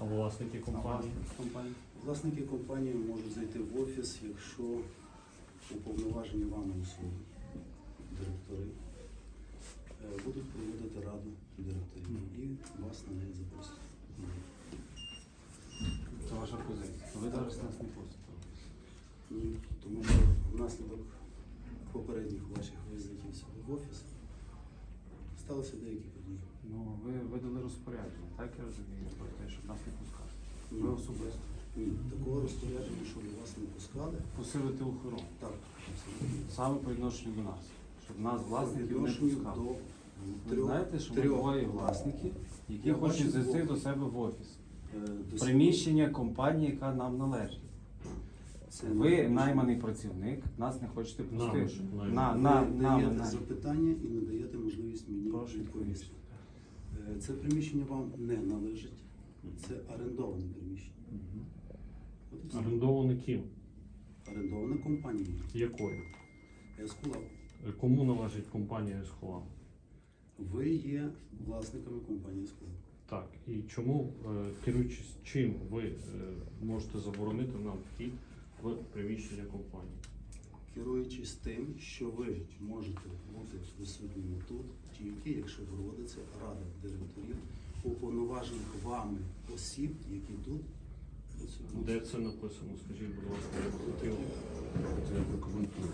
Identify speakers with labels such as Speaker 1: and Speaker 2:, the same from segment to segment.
Speaker 1: власники компанії?
Speaker 2: Власники компанії можуть зайти в офіс, якщо уповноважені вами особи, директори, будуть проводити раду директорів і вас на неї запросять.
Speaker 3: Це ваша позиція. Ви зараз нас не пустите.
Speaker 2: Ні, тому що внаслідок попередніх ваших візитів сюди в офіс сталися деякі події.
Speaker 3: Ну, ви видали розпорядження, так я розумію, про те, щоб нас не пускати.
Speaker 2: Ні.
Speaker 3: Ви особисто.
Speaker 2: Ні, такого розпорядження, щоб вас не пускали.
Speaker 3: Посилити охорону.
Speaker 2: Так, абсолютно.
Speaker 3: Саме по відношенню до нас. Щоб нас, власників, не
Speaker 2: Відношенню
Speaker 3: пускали.
Speaker 2: до
Speaker 3: Ви знаєте, що ми двоє власників, які
Speaker 2: Я
Speaker 3: хочуть
Speaker 2: бачу
Speaker 3: зайти
Speaker 2: двох.
Speaker 3: до себе в офіс.
Speaker 2: до
Speaker 3: Приміщення компанії, яка нам належить.
Speaker 2: Це
Speaker 3: Ви найманий працівник, нас не хочете пустити.
Speaker 2: ви
Speaker 3: Нам
Speaker 2: даєте запитання і не даєте можливість мені
Speaker 3: Прошу
Speaker 2: відповісти. Це приміщення вам не належить, це орендоване приміщення. От і все.
Speaker 1: Орендований ким?
Speaker 2: Орендована компанією.
Speaker 1: Якою?
Speaker 2: Ескулап.
Speaker 1: Кому належить компанія Есхолам?
Speaker 2: Ви є власниками компанії Ескулап.
Speaker 1: Так, і чому, керуючись чим ви можете заборонити нам вхід в приміщення компанії?
Speaker 2: Керуючись тим, що ви можете бути присутніми тут, тільки якщо проводиться рада директорів, уповноважених вами осіб, які тут працюють.
Speaker 1: Де це написано? Скажіть, будь ласка, я б хотів.
Speaker 4: Я прокоментую.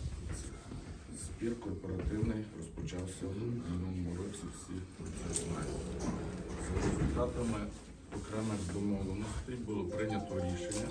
Speaker 4: Збір корпоративний розпочався в минулому році, всі про це знають. За результатами окремих домовленостей було прийнято рішення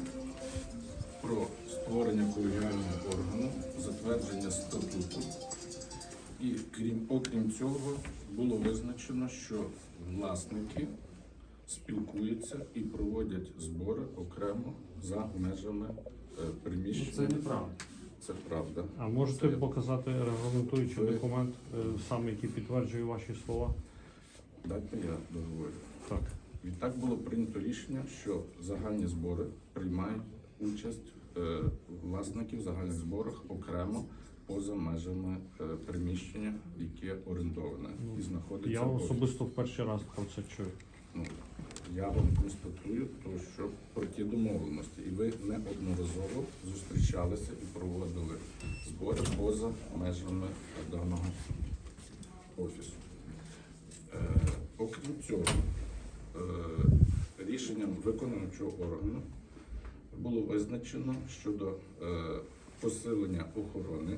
Speaker 4: про створення колегіального органу, затвердження статуту. І окрім цього було визначено, що власники спілкуються і проводять збори окремо за межами приміщення.
Speaker 3: Це неправда.
Speaker 4: Це правда.
Speaker 1: А можете
Speaker 4: Це-
Speaker 1: показати регламентуючий
Speaker 4: Ви-
Speaker 1: документ, саме який підтверджує ваші слова?
Speaker 4: Дайте я договорю.
Speaker 1: Так.
Speaker 4: Відтак було прийнято рішення, що загальні збори приймають участь власників в загальних зборах окремо поза межами приміщення, яке орендоване і знаходиться.
Speaker 1: Я
Speaker 4: в офісі.
Speaker 1: особисто в перший раз про це чую.
Speaker 4: Ну, я вам констатую, то, що про ті домовленості, і ви неодноразово зустрічалися і проводили збори поза межами даного офісу. Окрім цього, рішенням виконавчого органу було визначено щодо посилення охорони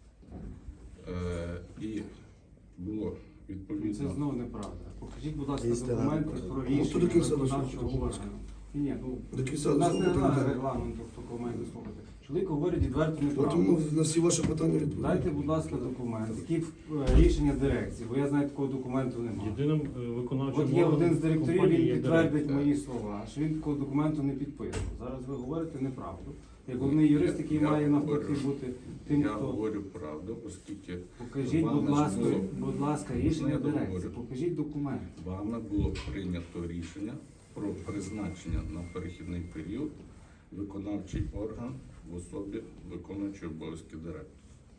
Speaker 4: і було
Speaker 3: Це
Speaker 4: відповідно.
Speaker 3: знову неправда. Покажіть, будь ласка,
Speaker 2: Істина
Speaker 3: документи
Speaker 2: неправда.
Speaker 3: про
Speaker 5: Ну, то до
Speaker 3: рішення
Speaker 5: кінця
Speaker 3: виконавчого
Speaker 5: дослухайте, будь ласка.
Speaker 3: органу. Ні,
Speaker 5: До кінця
Speaker 3: у нас не
Speaker 5: дослухайте,
Speaker 3: немає
Speaker 5: так.
Speaker 3: регламенту документи слухати. Чоловік говорить відверто неправду.
Speaker 5: Тому на всі ваші питання відповідь.
Speaker 3: Дайте, будь ласка, документ, які рішення дирекції, бо я знаю, такого документу немає.
Speaker 1: Єдиним виконавчим
Speaker 3: От є один з директорів,
Speaker 1: компанії
Speaker 3: він
Speaker 1: є
Speaker 3: підтвердить
Speaker 1: директор.
Speaker 3: мої слова, що він такого документу не підписував. Зараз ви говорите неправду. Як головний юрист, який
Speaker 4: Я
Speaker 3: має навпаки
Speaker 4: говорю-
Speaker 3: бути тим,
Speaker 4: Я
Speaker 3: хто...
Speaker 4: говорю правду, оскільки
Speaker 3: Покажіть,
Speaker 4: вами
Speaker 3: будь
Speaker 4: ж
Speaker 3: ласка,
Speaker 4: було-
Speaker 3: рішення
Speaker 4: Я
Speaker 3: дирекції.
Speaker 4: договорю.
Speaker 3: Покажіть документ.
Speaker 4: вами було прийнято рішення про призначення на перехідний період виконавчий орган в особі виконуючого обов'язки директора.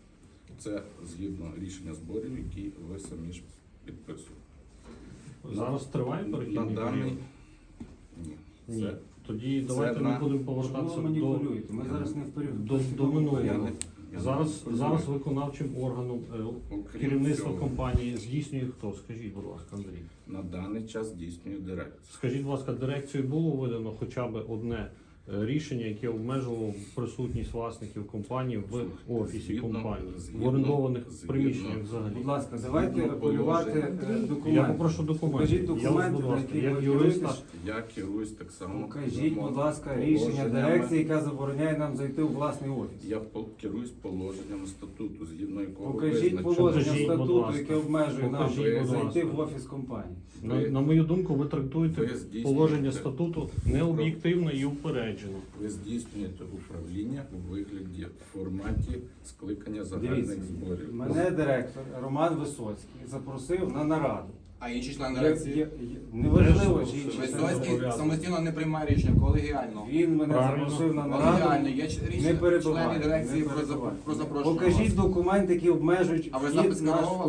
Speaker 4: Це згідно рішення зборів, які ви самі ж підписували.
Speaker 1: Зараз триває
Speaker 4: На
Speaker 1: перехідний
Speaker 4: даний
Speaker 1: період?
Speaker 4: ні.
Speaker 1: Ні.
Speaker 4: Це
Speaker 1: Тоді
Speaker 4: це
Speaker 1: давайте
Speaker 4: на-
Speaker 1: ми будемо
Speaker 3: Чому
Speaker 1: повертатися
Speaker 3: ви
Speaker 1: до
Speaker 3: маніпулюєте? Ми зараз не в період.
Speaker 1: до минулого.
Speaker 4: я не я
Speaker 1: Зараз,
Speaker 4: не
Speaker 1: зараз виконавчим органом
Speaker 4: Окрім
Speaker 1: керівництва
Speaker 4: цього,
Speaker 1: компанії здійснює хто? Скажіть, будь ласка, Андрій.
Speaker 4: на даний час здійснює директор.
Speaker 1: Скажіть, будь ласка, дирекцією було видано хоча б одне рішення, яке обмежувало присутність власників компанії в офісі
Speaker 4: Згідно-
Speaker 1: компанії, в
Speaker 4: згідно-
Speaker 1: орендованих
Speaker 4: згідно-
Speaker 1: приміщеннях взагалі.
Speaker 3: Будь ласка, давайте
Speaker 4: Згідно
Speaker 3: апелювати
Speaker 4: положення.
Speaker 3: документи.
Speaker 1: Я попрошу документи.
Speaker 3: Покажіть
Speaker 1: Я вас,
Speaker 3: документи,
Speaker 1: будь ласка,
Speaker 3: на які
Speaker 1: як
Speaker 3: ви
Speaker 1: юриста,
Speaker 3: керуєтесь.
Speaker 4: Я керуюсь так само.
Speaker 3: Покажіть, будь ласка,
Speaker 4: положеннями.
Speaker 3: рішення дирекції, яка забороняє нам зайти у власний офіс.
Speaker 4: Я керуюсь положенням статуту, згідно якого
Speaker 3: Покажіть
Speaker 4: визначено.
Speaker 3: положення
Speaker 1: Покажіть, будь
Speaker 3: статуту,
Speaker 1: ласка.
Speaker 3: яке обмежує нам
Speaker 1: Покажіть, будь
Speaker 3: зайти
Speaker 1: ласка.
Speaker 3: в офіс компанії.
Speaker 1: на мою думку, ви трактуєте
Speaker 4: Ви здійснюєте-
Speaker 1: положення статуту необ'єктивно і упереджено.
Speaker 4: Ви здійснюєте управління у вигляді в форматі скликання загальних
Speaker 3: Дивіться,
Speaker 4: зборів.
Speaker 3: мене директор Роман Висоцький запросив на нараду.
Speaker 6: А інші члени дирекції?
Speaker 3: Неважливо,
Speaker 1: Теж
Speaker 3: чи інші
Speaker 1: запросив.
Speaker 3: члени.
Speaker 6: Висоцький самостійно не приймає рішення, колегіально.
Speaker 3: Він мене
Speaker 1: Правильно.
Speaker 3: запросив на
Speaker 6: Колегіально
Speaker 3: нараду.
Speaker 6: є
Speaker 3: Не
Speaker 6: рішення
Speaker 3: перебивайте,
Speaker 6: членів дирекції
Speaker 3: не перебивайте.
Speaker 6: про запрошення.
Speaker 3: Покажіть
Speaker 6: вас.
Speaker 3: документи, які обмежують
Speaker 6: А ви
Speaker 3: вхід
Speaker 6: запис
Speaker 3: наш.
Speaker 6: скеровували?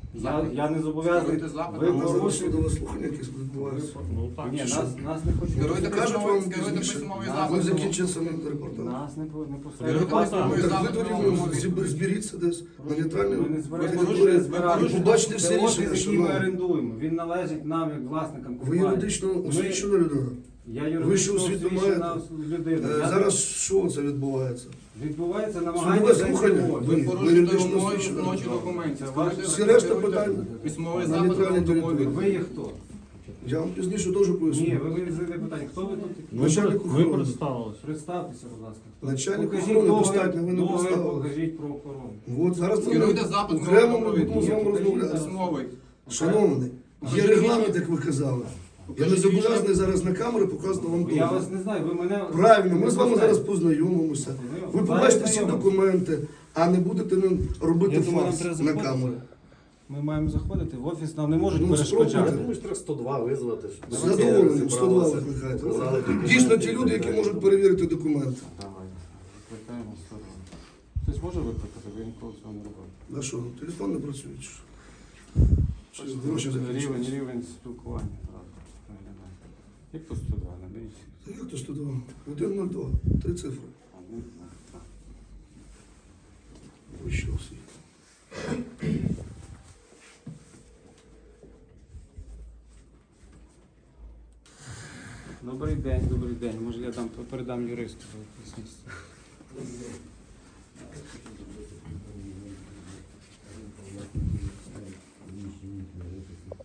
Speaker 3: Я не зобов'язаний.
Speaker 6: Скеруйте запит.
Speaker 3: Ви
Speaker 2: У нас зараз
Speaker 3: порушуєте.
Speaker 2: судове слухання якесь відбувається.
Speaker 1: Ну так.
Speaker 3: Ні,
Speaker 1: чи
Speaker 3: нас не хочуть.
Speaker 6: Скеруйте
Speaker 2: Кажуть
Speaker 6: письмовий
Speaker 2: вам
Speaker 6: скеруйте
Speaker 2: пізніше.
Speaker 6: письмовий
Speaker 3: Нас
Speaker 2: Ми
Speaker 6: запит.
Speaker 2: закінчили самий репортаж.
Speaker 3: Нас не
Speaker 6: Скеруйте
Speaker 3: посередньо.
Speaker 6: письмовий
Speaker 2: Так
Speaker 6: запит.
Speaker 2: ви тоді зберіться десь на нейтральній
Speaker 3: Ми не
Speaker 6: Ви
Speaker 3: збираємося.
Speaker 6: порушуєте-
Speaker 2: території.
Speaker 6: ви порушуєте-
Speaker 2: Побачите всі
Speaker 3: Це офіс,
Speaker 2: рішення,
Speaker 3: який ми
Speaker 2: шановні.
Speaker 3: орендуємо. Він належить нам як власникам
Speaker 2: Ви
Speaker 3: компанії.
Speaker 2: юридично освічена людина.
Speaker 3: Я
Speaker 2: Ви
Speaker 3: юридично
Speaker 2: що освіту
Speaker 3: освічена
Speaker 2: маєте?
Speaker 3: людина. Я-
Speaker 2: Зараз що це відбувається?
Speaker 3: Відбувається намагання
Speaker 2: Судове
Speaker 3: зайти
Speaker 2: слухання.
Speaker 3: в офіс.
Speaker 6: Ви
Speaker 2: Ви
Speaker 6: порушуєте
Speaker 2: юридично
Speaker 6: умови
Speaker 2: освічена.
Speaker 6: ночі документів.
Speaker 3: Це
Speaker 6: Скеруйте-
Speaker 3: ваше-
Speaker 2: Всі решта
Speaker 6: скеруйте
Speaker 2: питань
Speaker 6: Письмовий
Speaker 2: на
Speaker 6: запит.
Speaker 2: нейтральній території.
Speaker 3: Ви є хто?
Speaker 2: Я вам пізніше теж
Speaker 3: Ні,
Speaker 2: поясню.
Speaker 3: ви задаєте питання. Хто ви тут?
Speaker 1: Ми,
Speaker 2: Начальник
Speaker 1: ми
Speaker 2: охорони.
Speaker 1: представилися.
Speaker 3: Представтеся, будь ласка.
Speaker 2: Начальник
Speaker 3: Покажіть
Speaker 2: охорони
Speaker 3: договір-
Speaker 2: достатньо, ви не
Speaker 3: договір
Speaker 2: поставили.
Speaker 3: покажіть про охорону.
Speaker 2: От зараз ми
Speaker 6: Скеруйте запит.
Speaker 2: окремо ми
Speaker 6: Покажіть
Speaker 2: будемо з вами розмовляти.
Speaker 6: Письмовий.
Speaker 2: Шановний, є
Speaker 6: Покажіть
Speaker 2: регламент,
Speaker 6: рішення.
Speaker 2: як ви казали. Я не
Speaker 6: Покажіть
Speaker 2: зобов'язаний
Speaker 6: рішення.
Speaker 2: зараз на камеру показувати вам
Speaker 3: Я
Speaker 2: договір.
Speaker 3: вас не знаю, ви мене...
Speaker 2: Правильно, ми з вами
Speaker 3: знаєте.
Speaker 2: зараз познайомимося. Ви
Speaker 3: Зараз
Speaker 2: побачите всі
Speaker 3: знайомимося.
Speaker 2: документи, а не будете робити
Speaker 3: Я думаю, нам
Speaker 2: фарс
Speaker 3: треба
Speaker 2: на
Speaker 3: заходити.
Speaker 2: камеру.
Speaker 3: Ми маємо заходити в офіс, нам не можуть
Speaker 2: Ну,
Speaker 3: перешкоджати.
Speaker 2: спробуйте.
Speaker 7: Думаю, що треба 102 визвати. щоб
Speaker 2: З задоволенням,
Speaker 7: всі
Speaker 2: 102
Speaker 7: зібралися,
Speaker 2: викликайте.
Speaker 7: показали документи
Speaker 2: Дійсно,
Speaker 7: і
Speaker 2: ті
Speaker 7: так
Speaker 2: люди, які
Speaker 7: далі.
Speaker 2: можуть перевірити документи.
Speaker 3: Давай, викликаємо 102. Хтось може викликати, бо я ніколи цього не робив.
Speaker 2: На що, телефон не працює? Чи що? Чи гроші закінчились?
Speaker 3: Рівень спілкування зразу виглядає. Як по 102, наберіть.
Speaker 2: Та як то 102? 102, 3 цифри. Ви що всі?
Speaker 3: Добрий день, добрий день. Може я передам юристу. Поясніть.